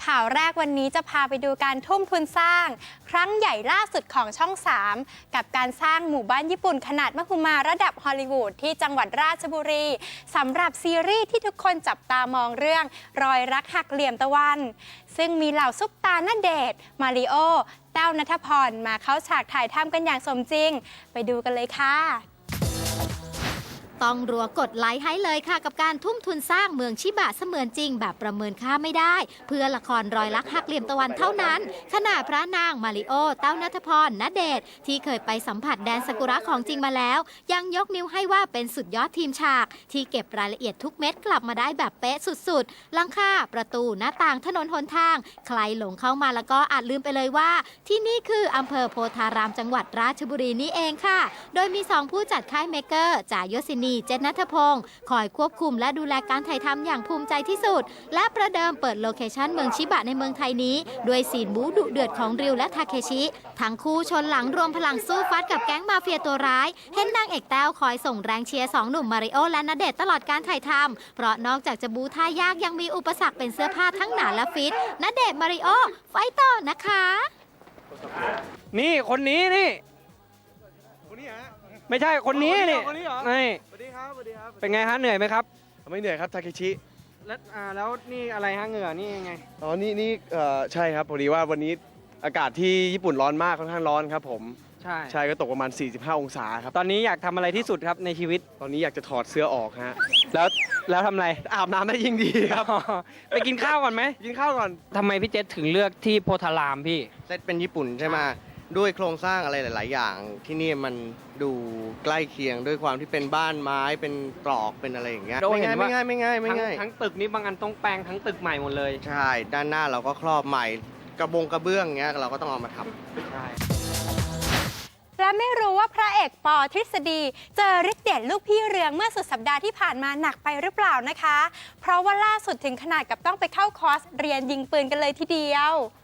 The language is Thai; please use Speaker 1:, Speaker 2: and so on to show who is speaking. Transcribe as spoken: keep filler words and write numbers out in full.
Speaker 1: ข่าวแรกวันนี้จะพาไปดูการทุ่มทุนสร้างครั้งใหญ่ล่าสุดของช่องสามกับการสร้างหมู่บ้านญี่ปุ่นขนาดมหึมาระดับฮอลลีวูดที่จังหวัดราชบุรีสำหรับซีรีส์ที่ทุกคนจับตามองเรื่องรอยรักหักเหลี่ยมตะวันซึ่งมีเหล่าซุปตาณเดชน์มาริโอแต้วณัฐพรมาเข้าฉากถ่ายทำกันอย่างสมจริงไปดูกันเลยค่ะ
Speaker 2: ต้องรัวกดไลค์ให้เลยค่ะกับการทุ่มทุนสร้างเมืองชิบะเสมือนจริงแบบประเมินค่าไม่ได้เพื่อละครรอยรักหักเหลี่ยมตะวันเท่านั้นขณะพระนางมาริโอเต้าณัฐพรณเดชน์ที่เคยไปสัมผัสแดนซากุระของจริงมาแล้วยังยกนิ้วให้ว่าเป็นสุดยอดทีมฉากที่เก็บรายละเอียดทุกเม็ดกลับมาได้แบบเป๊ะสุดๆหลังคาประตูหน้าต่างถนนหนทางใครหลงเข้ามาแล้วก็อาจลืมไปเลยว่าที่นี่คืออำเภอโพธารามจังหวัดราชบุรีนี่เองค่ะโดยมีสองผู้จัดค่ายเมเกอร์จ่ายศินีเจษณัฐพงศ์คอยควบคุมและดูแลการถ่ายทำอย่างภูมิใจที่สุดและประเดิมเปิดโลเคชั่นเมืองชิบะในเมืองไทยนี้ด้วยซีนบู๊ดุเดือดของริวและทาเคชิทั้งคู่ชนหลังรวมพลังสู้ฟัดกับแก๊งมาเฟียตัวร้ายเห็นนางเอกแต้วคอยส่งแรงเชียร์สองหนุ่มมาริโอและณเดชน์ตลอดการถ่ายทำเพราะนอกจากจะบู๊ท่ายากยังมีอุปสรรคเป็นเสื้อผ้าทั้งหนาและฟิตณเดชน์มาริโอไฟต่อนะคะ
Speaker 3: นี่คนนี้นี่
Speaker 4: คนนี้ฮะ
Speaker 3: ไม่ใช่คนนี้นี่
Speaker 4: คนนี้เหรอ
Speaker 3: นี่
Speaker 4: สวัสดีครับสวัสดีครับ
Speaker 3: เป็นไงฮะเหนื่อยไหมครับ
Speaker 4: ไม่เหนื่อยครับทาเคชิ
Speaker 3: แล้วอ่าแล้วนี่อะไรฮะเหงื่อนี่ยังไง
Speaker 4: อ๋อนี่นี่เอ่อใช่ครับพอดีว่าวันนี้อากาศที่ญี่ปุ่นร้อนมากค่อนข้างร้อนครับผม
Speaker 3: ใช่
Speaker 4: ใช่ก็ตกประมาณสี่สิบห้าองศาครับ
Speaker 3: ตอนนี้อยากทำอะไรที่สุดครับในชีวิต
Speaker 4: ตอนนี้อยากจะถอดเสื้อออกฮะ
Speaker 3: แล้วแล้วทำอะไร
Speaker 4: อาบน้ำได้ยิ่งดีครับ
Speaker 3: ไปกินข้าวก่อนไหม
Speaker 4: กินข้าวก่อน
Speaker 3: ทำไมพี่เจษถึงเลือกที่โพธารามพี่
Speaker 5: เซตเป็นญี่ปุ่นใช่ไหมด้วยโครงสร้างอะไรหลาย ๆ อย่างที่นี่มันดูใกล้เคียงด้วยความที่เป็นบ้านไม้เป็นตรอกเป็นอะไรอย่างเงี้ย
Speaker 3: โดย
Speaker 5: ไม่
Speaker 3: เห็
Speaker 5: ง่าย
Speaker 3: นว่า
Speaker 5: ไม่ง่ายไม่ง่ายไม่
Speaker 3: ทั้ง
Speaker 5: ง่าย
Speaker 3: ทั้งตึกนี้บางอันต้องแปลงทั้งตึกใหม่หมดเลย
Speaker 5: ใช่ด้านหน้าเราก็ครอบใหม่กระบงกระเบื้องเงี้ยเราก็ต้องเอามาทำ
Speaker 3: ใช่
Speaker 1: และไม่รู้ว่าพระเอกปอทฤษฎีเจอฤทธิ์เดชลูกพี่เรืองเมื่อสุดสัปดาห์ที่ผ่านมาหนักไปหรือเปล่านะคะเพราะว่าล่าสุดถึงขนาดกับต้องไปเข้าคอร์สเรียนยิงปืนกันเลยทีเดียว